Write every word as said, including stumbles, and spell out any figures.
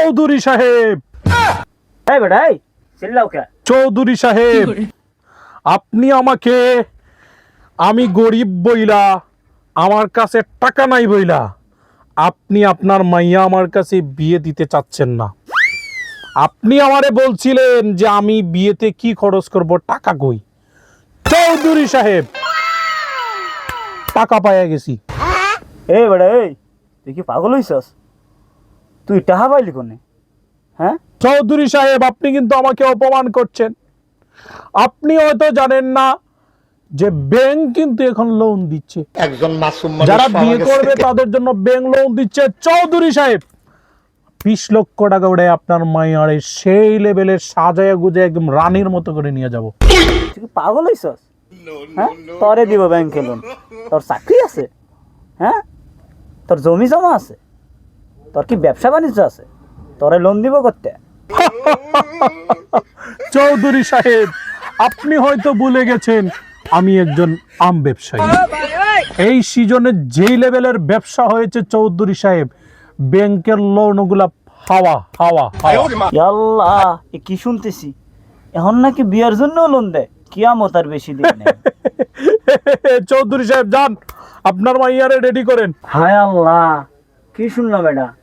চৌধুরী সাহেব, এই বেটা এই চিল্লাও কে? চৌধুরী সাহেব, আপনি আমাকে, আমি গরিব বইলা, আমার কাছে টাকা নাই বইলা আপনি আপনার মাইয়া আমার কাছে বিয়ে দিতে চাচ্ছেন না। আপনি আমারে বলছিলেন যে আমি বিয়েতে কি খরচ করব, টাকা কই? চৌধুরী সাহেব, টাকা পাইয়া গেছি। এই বেটা এই, তুই কি পাগল হইছস? তুই টাকা পাইলি কোনে? হ্যাঁ চৌধুরী সাহেব, আপনি কিন্তু আমাকে অপমান করছেন। আপনি হয়তো জানেন না যে ব্যাংক কিন্তু এখন লোন দিচ্ছে, একজন মাসুম যারা বিয়ে করবে তাদের জন্য ব্যাংক লোন দিচ্ছে। চৌধুরী সাহেব, বিশ লক্ষ টাকা উড়ে আপনার মাইয়ারে সেই লেভেলের সাজায় গুজে একদম রানীর মতো করে নিয়ে যাব। তুই কি পাগল হইছস? হ্যাঁ তোরে দিব ব্যাংকে লোন? তোর চাকরি আছে? হ্যাঁ তোর জমি জমা আছে? তোর কি ব্যবসা বাণিজ্য আছে? তোরে লোন দিব করতে? চৌধুরী সাহেব, আপনি হয়তো ভুলে গেছেন আমি একজন আম ব্যবসায়ী। এই সিজনে যেই লেভেলের ব্যবসা হয়েছে চৌধুরী সাহেব, ব্যাংকের লোনগুলা হাওয়া হাওয়া হাওয়া। আল্লাহ, এ কি শুনতেছি? এখন নাকি বিয়ার জন্য লোন দেয়? কিয়ামত আর বেশি দিন নেই। চৌধুরী সাহেব, যান আপনার মাইয়ারে রেডি করেন। হায় আল্লাহ, কি শুনলাম এটা?